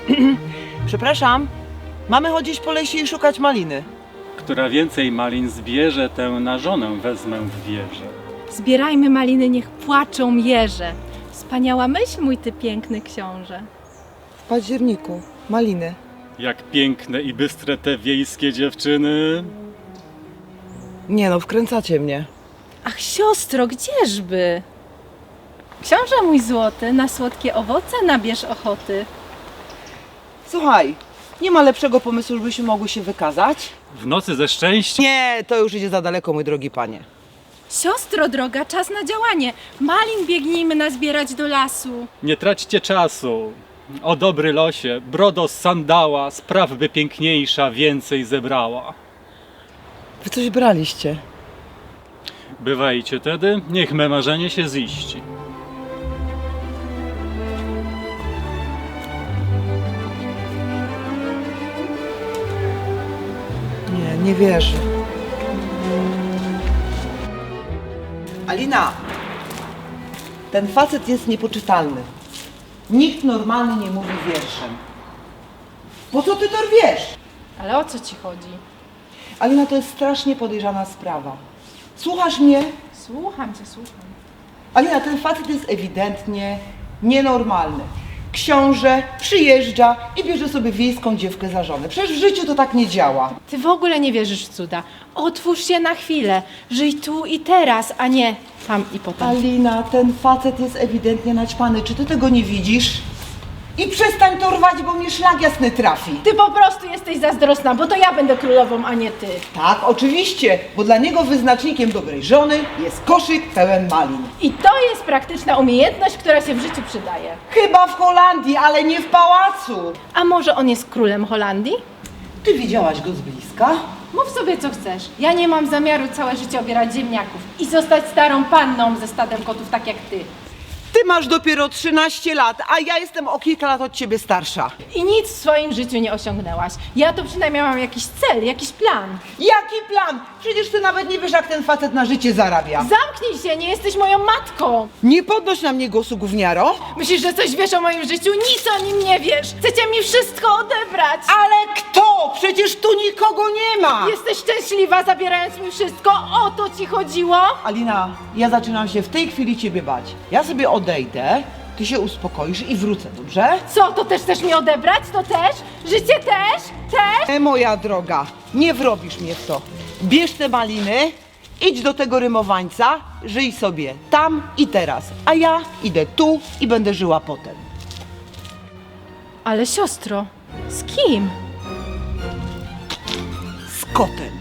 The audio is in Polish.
Przepraszam, mamy chodzić po lesie i szukać maliny. Która więcej malin zbierze, tę na żonę wezmę w wieże. Zbierajmy maliny, niech płaczą jeże. Wspaniała myśl, mój ty piękny książę. W październiku, maliny. Jak piękne i bystre te wiejskie dziewczyny. Nie no, wkręcacie mnie. Ach, siostro, gdzieżby? Książę mój złoty, na słodkie owoce nabierz ochoty. Słuchaj, nie ma lepszego pomysłu, żebyśmy mogły się wykazać? W nocy ze szczęściem. Nie, to już idzie za daleko, mój drogi panie. Siostro droga, czas na działanie. Malin biegnijmy nazbierać do lasu. Nie traćcie czasu. O dobry losie, brodo z sandała, spraw by piękniejsza więcej zebrała. Wy coś braliście. Bywajcie tedy, niech me marzenie się ziści. Nie wierzę. Alina, ten facet jest niepoczytalny. Nikt normalny nie mówi wierszem. Po co ty to rwiesz? Ale o co ci chodzi? Alina, to jest strasznie podejrzana sprawa. Słuchasz mnie? Słucham cię, słucham. Alina, ten facet jest ewidentnie nienormalny. Książę przyjeżdża i bierze sobie wiejską dziewkę za żonę. Przecież w życiu to tak nie działa. Ty w ogóle nie wierzysz w cuda. Otwórz się na chwilę. Żyj tu i teraz, a nie tam i potem. Alina, ten facet jest ewidentnie naćpany. Czy ty tego nie widzisz? I przestań to rwać, bo mnie szlag jasny trafi. Ty po prostu jesteś zazdrosna, bo to ja będę królową, a nie ty. Tak, oczywiście, bo dla niego wyznacznikiem dobrej żony jest koszyk pełen malin. I to jest praktyczna umiejętność, która się w życiu przydaje. Chyba w Holandii, ale nie w pałacu. A może on jest królem Holandii? Ty widziałaś go z bliska? Mów sobie co chcesz. Ja nie mam zamiaru całe życie obierać ziemniaków i zostać starą panną ze stadem kotów tak jak ty. Ty masz dopiero 13 lat, a ja jestem o kilka lat od ciebie starsza. I nic w swoim życiu nie osiągnęłaś. Ja to przynajmniej mam jakiś cel, jakiś plan. Jaki plan? Przecież ty nawet nie wiesz, jak ten facet na życie zarabia. Zamknij się, nie jesteś moją matką. Nie podnoś na mnie głosu, gówniaro. Myślisz, że coś wiesz o moim życiu? Nic o nim nie wiesz. Chcecie mi wszystko odebrać. Ale kto? Przecież tu nikogo nie ma. Jesteś szczęśliwa, zabierając mi wszystko? O to ci chodziło? Alina, ja zaczynam się w tej chwili ciebie bać. Ja sobie odejdę, ty się uspokoisz i wrócę, dobrze? Co, to też chcesz mi odebrać? To też? Życie też? Też? Moja droga, nie wrobisz mnie w to. Bierz te maliny, idź do tego rymowańca, żyj sobie tam i teraz. A ja idę tu i będę żyła potem. Ale siostro, z kim? Z kotem.